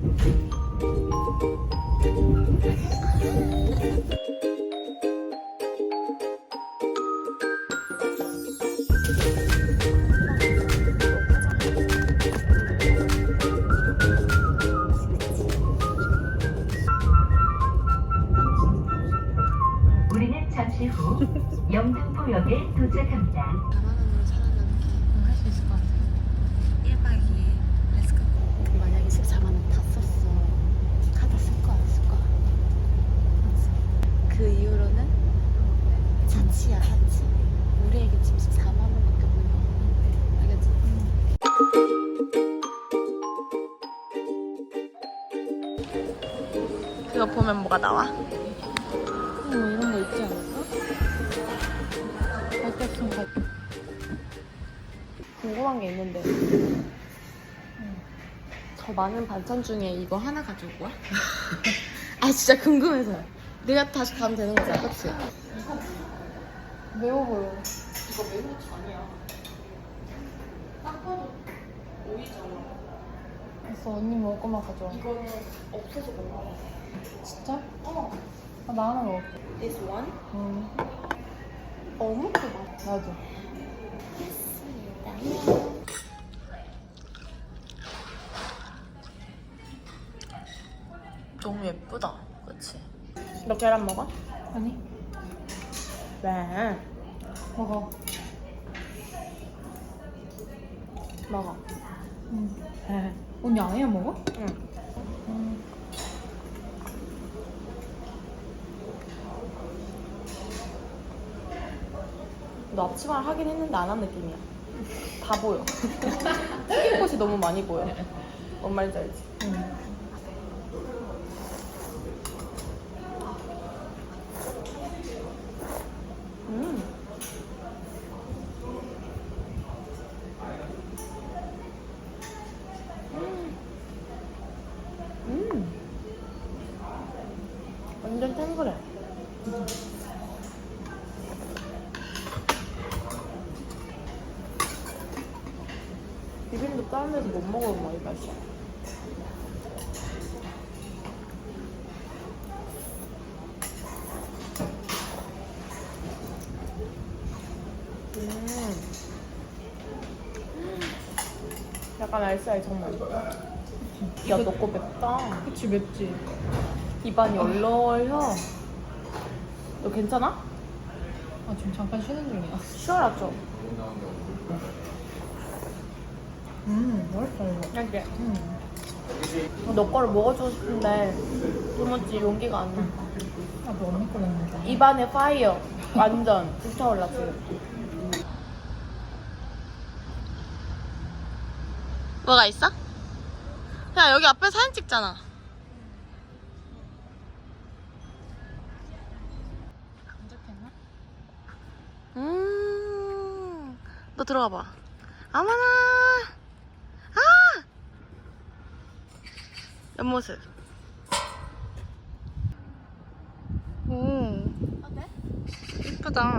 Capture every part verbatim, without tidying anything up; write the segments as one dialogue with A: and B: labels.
A: 우리는 잠시 후 영등포역에 도착합니다.
B: 사만 원으로 살아가는 게 할 수 있을 것 같아요. 일 박 이 일 렛츠고. 만약에 십사만 원 다 썼어. 카드 쓸 거야, 쓸 거야. 맞지? 그 이후로는 사치야, 사치. 우리에게 지금 십사만 원밖에 없는 거 알겠지?
C: 이거 보면 뭐가 나와?
B: 뭐 이런 거 있지 않을까? 갈색송 갈.
C: 궁금한 게 있는데 저 많은 반찬 중에 이거 하나 가져올 거야? 아 진짜 궁금해서. 내가 다시 가면 되는 거잖아, 그치?
B: 매워 보여.
C: 이거 매운 고추 아니야. 딱 봐도 오이잖아.
B: 됐어, 언니 먹을 것만 가져와.
C: 이거는 없어서 못 먹어.
B: 진짜?
C: 어.
B: 아, 나 하나 먹을게.
C: This one?
B: 응.
C: 어묵도 맛.
B: 나도.
C: 너무 예쁘다, 그치? 너 계란 먹어?
B: 아니,
C: 왜?
B: 먹어.
C: 먹어.
B: 응. 언니 아예 안 먹어?
C: 응.
B: 응.
C: 너 앞치마를 하긴 했는데 안 한 느낌이야. 다 보여. 튀긴 것이 너무 많이 보여. 뭔 말인지 알지?
B: 응.
C: 음. 음. 완전 탱글해. 비빔도 다른 데서 못 먹어본 많이 맛있어. 음. 약간 알싸해 정말. 야, 너 거 맵다.
B: 그치, 맵지?
C: 입안이 얼얼혀. 너 괜찮아?
B: 아, 지금 잠깐 쉬는 중이야.
C: 쉬어라 좀.
B: 음, 맛있다, 이거.
C: 이렇게.
B: 음.
C: 너 거를 먹어주고 싶은데 도무지 용기가 안 나.
B: 아, 너 언니 거 먹는다.
C: 입안에 파이어. 완전 불타올라 지금. 뭐가 있어? 야, 여기 앞에 사진 찍잖아.
B: 검색했나?
C: 음, 너 들어가 봐. 어머나. 아! 옆모습. 오,
B: 어때?
C: 이쁘다.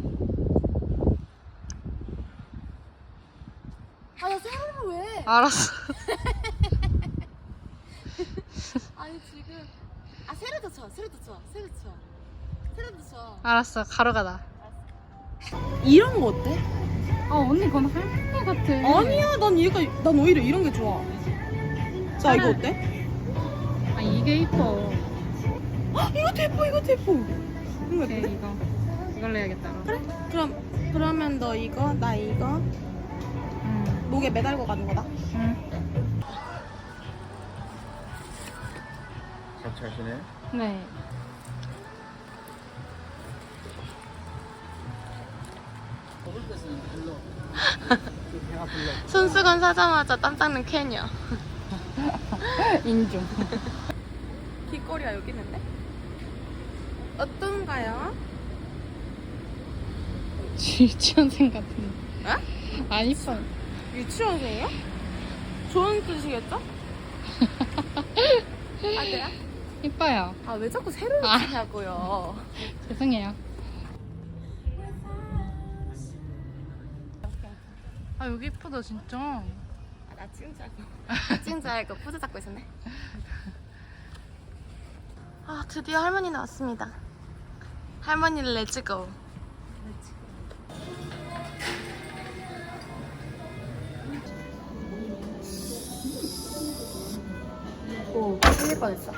B: 아, 나 세로를 왜?
C: 알았어.
B: 아니, 지금. 아, 세로도 쳐, 세로도 쳐, 세로 쳐. 세로도 쳐.
C: 알았어, 가로가다. 이런 거 어때?
B: 아, 언니 그건 할머니 같아.
C: 아니야, 난 얘가, 난 오히려 이런 게 좋아. 자, 이거 어때?
B: 아, 이게 이뻐.
C: 아, 이것도 예뻐, 이것도 예뻐. 이거
B: 오케이,
C: 어때?
B: 이거. 이걸로 해야겠다.
C: 그래? 그럼, 그러면 너 이거, 나 이거.
B: 응.
C: 목에 매달고 가는 거다.
B: 응.
D: 같이 하시네.
B: 네.
C: 손수건 사자마자 땀 닦는 캐녀.
B: 인중.
C: 길거리가 여기 있는데? 어떤가요?
B: 유치원생 같은데.
C: 어?
B: 안 이뻐.
C: 유치원생이요? 좋은 뜻이겠죠? 아, 그래요?
B: 이뻐요.
C: 아, 왜 자꾸 새로
B: 아.
C: 치냐고요.
B: 죄송해요.
C: 아, 여기 이쁘다, 진짜.
B: 나 찍은 줄 알고 찍은 줄 알고 포즈 잡고 있었네. 아 드디어 할머니 나왔습니다. 할머니를 렛츠고. 오 틀릴 뻔했어.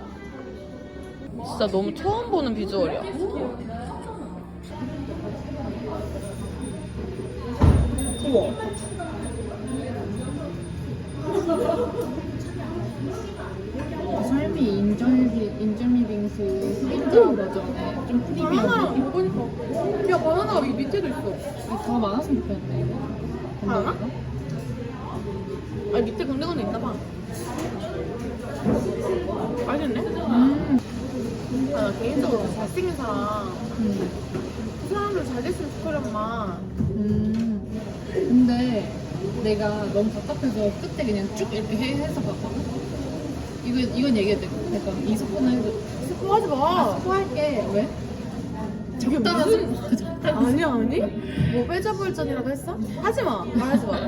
C: 진짜 너무 처음 보는 비주얼이야. 우와.
D: 삶이 인절미 인절미 빙수 흑임자 버전에 좀 프리미엄.
C: 먹으니까 야 바나나가 여기 밑에도 있어.
D: 더 많았으면 좋겠는데.
C: 바나나? 아니 밑에 건데건데 있나봐. 맛있네.
D: 음.
C: 아, 나 개인적으로 잘생긴 사람
D: 음.
C: 그 사람을 잘 됐으면 좋겠란마.
D: 음. 근데 내가 너무 답답해서 끝에 그냥 쭉 이렇게 해, 해서 봤거든. 이거 이건 얘기해도 돼. 약간 이 스푼 해도
C: 스포하지 마.
D: 스푼 할게. 왜?
C: 저게
D: 적당한
C: 무슨-
D: 스푼.
C: 아니 아니. 뭐 빼자볼전이라고 했어? 하지 마. 말하지 마.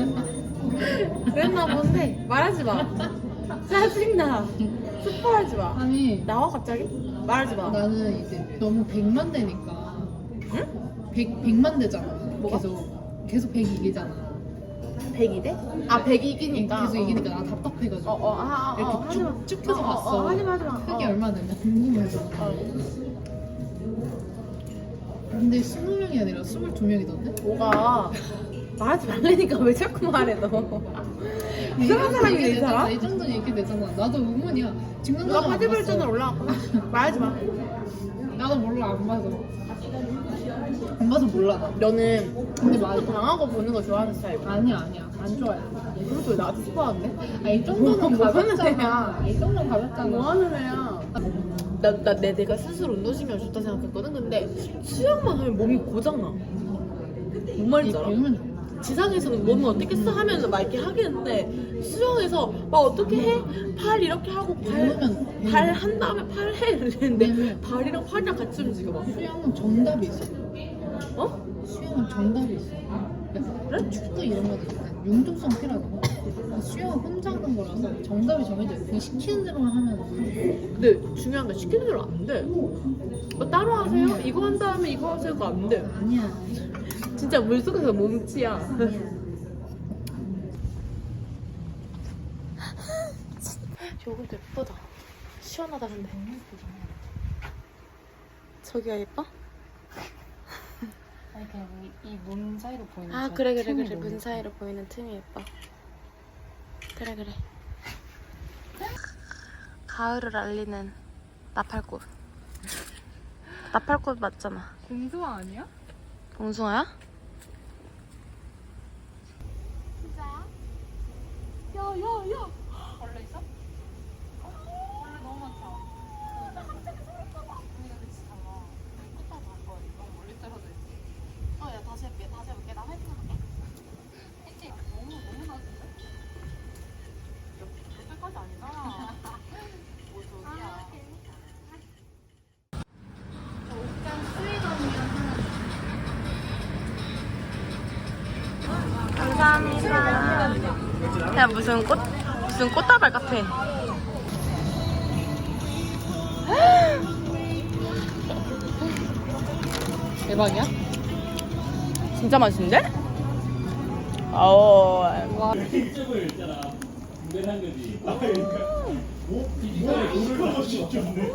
C: 그랬나 본데 말하지 마. 짜증나. 스포하지 마.
D: 아니
C: 나와 갑자기? 말하지 마.
D: 나는 이제 너무 백만 대니까.
C: 응?
D: 백 백만 대잖아.
C: 뭐가?
D: 계속 계속 백 이기잖아.
C: 백이 돼? 아 백이 이기니까.
D: 계속 이기니까 나 답답해가지고.
C: 어어 아, 아,
D: 이렇게
C: 어, 하지 마.
D: 쭉, 쭉 해서
C: 어, 어,
D: 봤어.
C: 어, 하지 마 하지 마.
D: 크게
C: 어.
D: 얼마나 되냐 궁금해서.
C: 어.
D: 근데 스무 명이 아니라 스물두 명이던데?
C: 뭐가 말하지 말라니까 왜 자꾸 말해 너. 이상한 사람이네 이 사람.
D: 이 정도는 이렇게 되잖아. 나도 의문이야.
C: 누가
D: 증명자가
C: 파티벌전을 올라왔구나. 말하지 마.
D: 나도 몰라 안 봐서. 안 봐서 몰라 나.
C: 너는
D: 근데 맞아.
C: 당하고 보는 거 좋아하는 스타일이야.
D: 아니야 아니야 안 좋아해.
C: 그것도 왜 나한테 스포하는데?
D: 아 이 정도는
C: 뭐 하는
D: 가볍잖아. 이 정도는 가볍잖아.
C: 뭐 하는 애야? 나, 나, 내, 내가 스스로 운동신경 좋다 생각했거든? 근데 수영만 하면 몸이 고장나. 뭔 말인지 알아?
D: 배우면 좋아.
C: 지상에서는 몸을 어떻게 써 하면서 막 이렇게 하겠는데 수영에서 막 어떻게 해? 팔 이렇게 하고 발,
D: 배우면
C: 발 한 다음에 팔 해 이랬는데
D: 배우면.
C: 발이랑 팔이랑 같이 움직여 봐.
D: 수영은 정답이 있어.
C: 어?
D: 수영은 정답이 있어. 그래? 축구 이런 것도 약간 융통성 필요하거든. 수영은 혼자 하는 거라서 정답이 정해져 있어. 그냥 시키는 대로만 하면
C: 근데 중요한 게 시키는 대로 안 돼. 어, 따로 하세요? 이거 한 다음에 이거 하세요가 안 돼.
D: 아니야.
C: 진짜 물속에서 몸치야. 여기도 예쁘다. 시원하다 근데. 저기가 예뻐?
B: 아니 그냥 이문 사이로 보이는.
C: 아
B: 저
C: 그래 그래
B: 틈이
C: 그래
B: 너무
C: 문 사이로 보이는 틈이 예뻐. 그래 그래. 가을을 알리는 나팔꽃. 나팔꽃 맞잖아.
B: 공수화 아니야?
C: 봉숭아야?
B: 진짜야? 야야야. 벌레 있어? 벌레 너무 많다. 우리가 그치 달라. 끝까지 갈 거야. 너무 멀리 떨어져 있어. 어야 다시 해볼게. 다시 해볼게. 나 화이팅 할게. 했지? 너무 너무 나은데? 여기까지 아니잖아. 뭐 저기야. 저 옥장 수위감이랑
C: 감사합니다. 야 무슨 꽃 무슨 꽃다발 같아.
D: 대박이야?
C: 진짜 맛있는데? 어.
D: 와.
E: 이쪽을 있잖아. 분배한 거지. 아, 그러니까. 오? 이거를 물을 넣을 수 없네.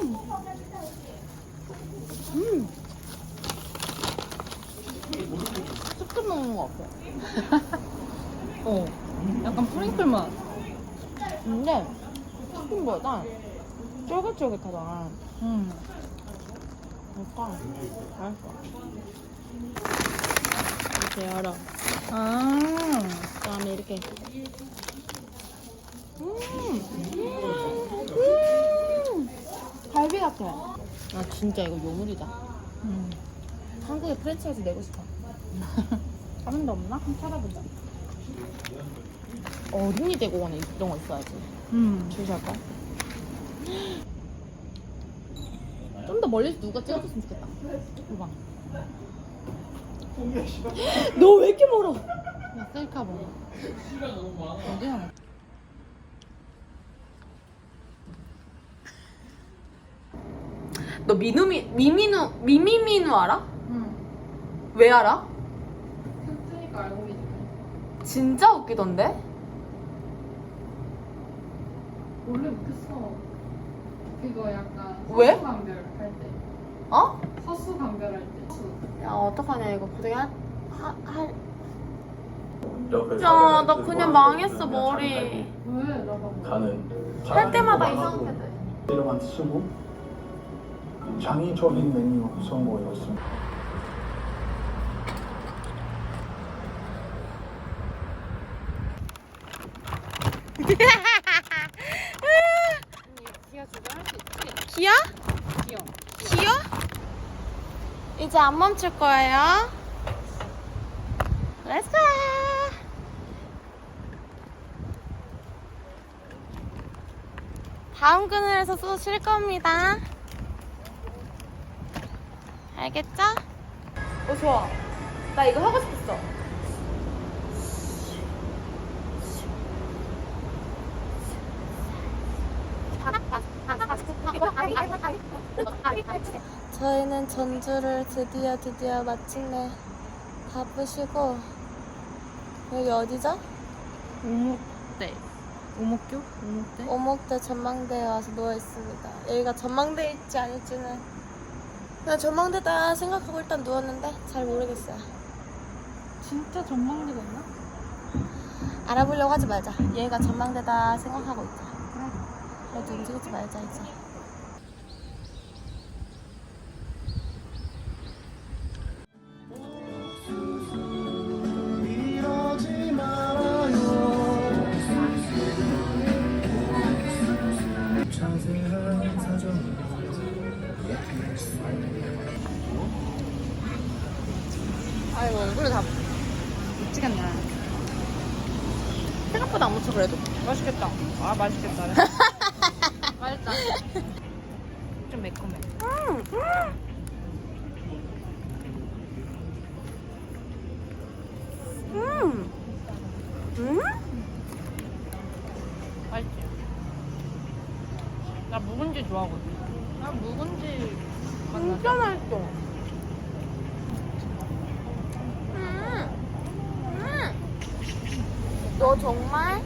D: 쑥 먹는 거 같아. 어. 약간 프링클 맛.
C: 근데 치킨보다 쫄깃쫄깃하잖아.
D: 음.
C: 약간 맛있어. 이렇게 열어.
D: 아.
C: 그다음에 이렇게. 음. 음. 갈비 같아. 아 진짜 이거 요물이다.
D: 음.
C: 한국에 프랜차이즈 내고 싶어.
D: 다른 데 없나? 한번 찾아보자.
C: 어린이 대공원에 이런 거 있어야지.
D: 음.
C: 줄 살까? 좀 더 멀리서 누가 찍어줬으면 좋겠다. 이거 봐. 너 왜 이렇게 멀어?
D: 나 셀카 먹어.
E: 시간 너무 많아.
D: 어디야?
C: 너 미누미 미미누 미미미누 알아?
D: 응.
C: 왜 알아?
D: 캡트니까 알고 계시네.
C: 진짜 웃기던데?
D: 원래 못했어. 그거 약간
C: 왜?
D: 서수강별 할 때.
C: 어?
D: 서수강별 할 때. 수.
C: 야 어떡하냐 이거 고생이 할 할.
F: 야,
C: 야, 나 그냥 망했어, 머리.
D: 왜? 나봐.
F: 가는
C: 할 때마다 이상하게 돼.
F: 이름만 쓰고 창의적인 메뉴 선보였습니다.
D: 기아 주변 할수 있지?
C: 기야?
D: 기어.
C: 기야? 이제 안 멈출 거예요. Let's go. 다음 그늘에서 또 쉴 겁니다. 알겠죠? 어 좋아. 나 이거 하고 싶었어. 저희는 전주를 드디어 드디어 마침내 바쁘시고 여기 어디죠?
D: 오목대. 오목교? 오목대?
C: 오목대 전망대에 와서 누워 있습니다. 여기가 전망대에 있지 않을지는 그냥 전망대다 생각하고 일단 누웠는데 잘 모르겠어요.
D: 진짜 전망대가 있나?
C: 알아보려고 하지 말자. 얘가 전망대다 생각하고 있자. 그래도 움직이지 말자 이제. 아이고 얼굴에 다
D: 미치겠네.
C: 생각보다 안 묻혀 그래도.
D: 맛있겠다. 아, 맛있겠다. 맛있다. 좀 매콤해.
C: 음, 음. 음?
D: 맛있지? 나 묵은지 좋아하거든. 나 묵은지
C: 진짜 맛있어. 음. 음. 너 정말?